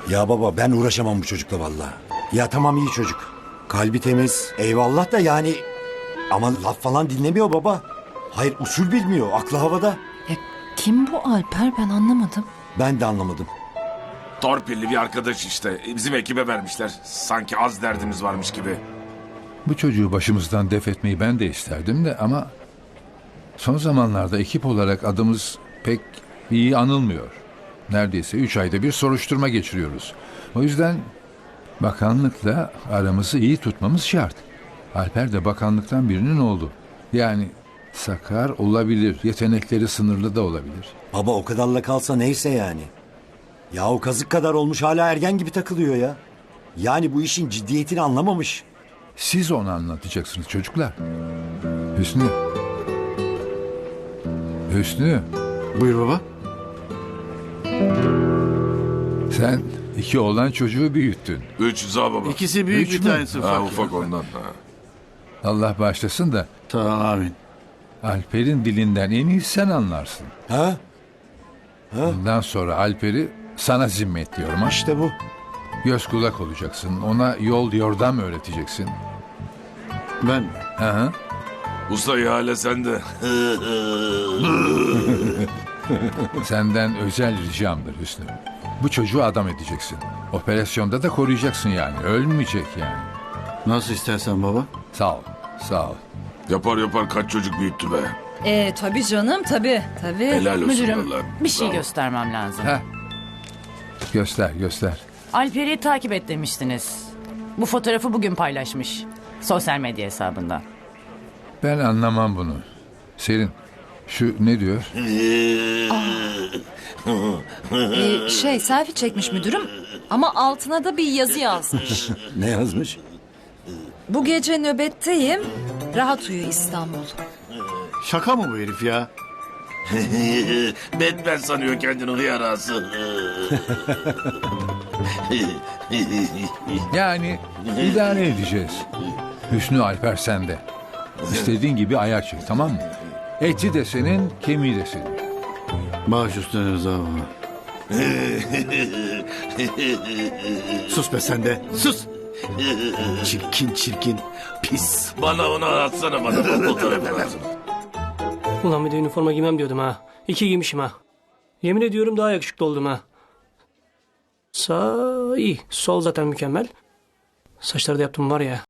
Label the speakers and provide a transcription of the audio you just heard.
Speaker 1: Ya baba ben uğraşamam bu çocukla vallahi. Ya tamam iyi çocuk. Kalbi temiz. Eyvallah da yani. Ama laf falan dinlemiyor baba. Hayır usul bilmiyor. Aklı havada.
Speaker 2: Ya kim bu Alper, ben anlamadım.
Speaker 1: Ben de anlamadım.
Speaker 3: Torpilli bir arkadaş işte. Bizim ekibe vermişler. Sanki az derdimiz varmış gibi.
Speaker 4: Bu çocuğu başımızdan def etmeyi ben de isterdim de ama son zamanlarda ekip olarak adımız pek iyi anılmıyor. Neredeyse 3 ayda bir soruşturma geçiriyoruz. O yüzden bakanlıkla aramızı iyi tutmamız şart. Alper de bakanlıktan birinin oğlu. Yani sakar olabilir, yetenekleri sınırlı da olabilir.
Speaker 1: Baba o kadarla kalsa neyse yani. Ya o kazık kadar olmuş hala ergen gibi takılıyor ya. Yani bu işin ciddiyetini anlamamış.
Speaker 4: Siz onu anlatacaksınız çocuklar. Hüsnü. Hüsnü,
Speaker 5: Buyur baba.
Speaker 4: sen 2 oğlan çocuğu büyüttün.
Speaker 3: 3 Rıza baba.
Speaker 5: İkisi büyük,
Speaker 4: Üç
Speaker 5: bir
Speaker 4: mü?
Speaker 5: tanesi ufak.
Speaker 3: Ha,
Speaker 5: ya.
Speaker 3: ufak ondan. Ha.
Speaker 4: Allah bağışlasın da
Speaker 5: Tamam amin.
Speaker 4: Alper'in dilinden en iyi sen anlarsın.
Speaker 1: Ha?
Speaker 4: Bundan sonra Alper'i sana zimmetliyorum ha.
Speaker 1: İşte bu.
Speaker 4: Göz kulak olacaksın. Ona yol yordam öğreteceksin.
Speaker 5: Ben
Speaker 4: Hı hı.
Speaker 3: Usta ihale sende.
Speaker 4: Senden özel ricamdır Hüsnü. Bu çocuğu adam edeceksin. Operasyonda da koruyacaksın yani. Ölmeyecek yani.
Speaker 5: nasıl istersen baba.
Speaker 4: Sağ ol. Sağ ol.
Speaker 3: Yapar kaç çocuk büyüttü be.
Speaker 2: Tabii canım, tabii.
Speaker 3: Helal olsun
Speaker 6: Müdürüm,
Speaker 3: vallahi.
Speaker 6: bir şey
Speaker 3: Bravo.
Speaker 6: göstermem lazım.
Speaker 4: Heh. Göster.
Speaker 6: Alper'i takip et demiştiniz. Bu fotoğrafı bugün paylaşmış. Sosyal medya hesabından.
Speaker 4: Ben anlamam bunu. Serin, şu ne diyor?
Speaker 2: Selfie çekmiş müdürüm ama altına da bir yazı yazmış.
Speaker 1: Ne yazmış?
Speaker 2: Bu gece nöbetteyim, rahat uyu İstanbul.
Speaker 5: Şaka mı bu herif ya?
Speaker 3: Batman sanıyor kendini hıyarası.
Speaker 4: Yani idare edeceğiz. Hüsnü Alper sende. İstediğin gibi ayar çek, tamam mı? Eti de senin, kemiği de senin.
Speaker 5: Baş üstüne Rıza baba. Sus be sen de. Sus. Çirkin. Pis.
Speaker 3: Bana onu atsana bana. Fotoğrafı lazım.
Speaker 7: Ulan bir de üniforma giymem diyordum ha. 2 giymişim ha. Yemin ediyorum daha yakışıklı oldum ha. Sağ iyi. Sol zaten mükemmel. Saçları da yaptım var ya.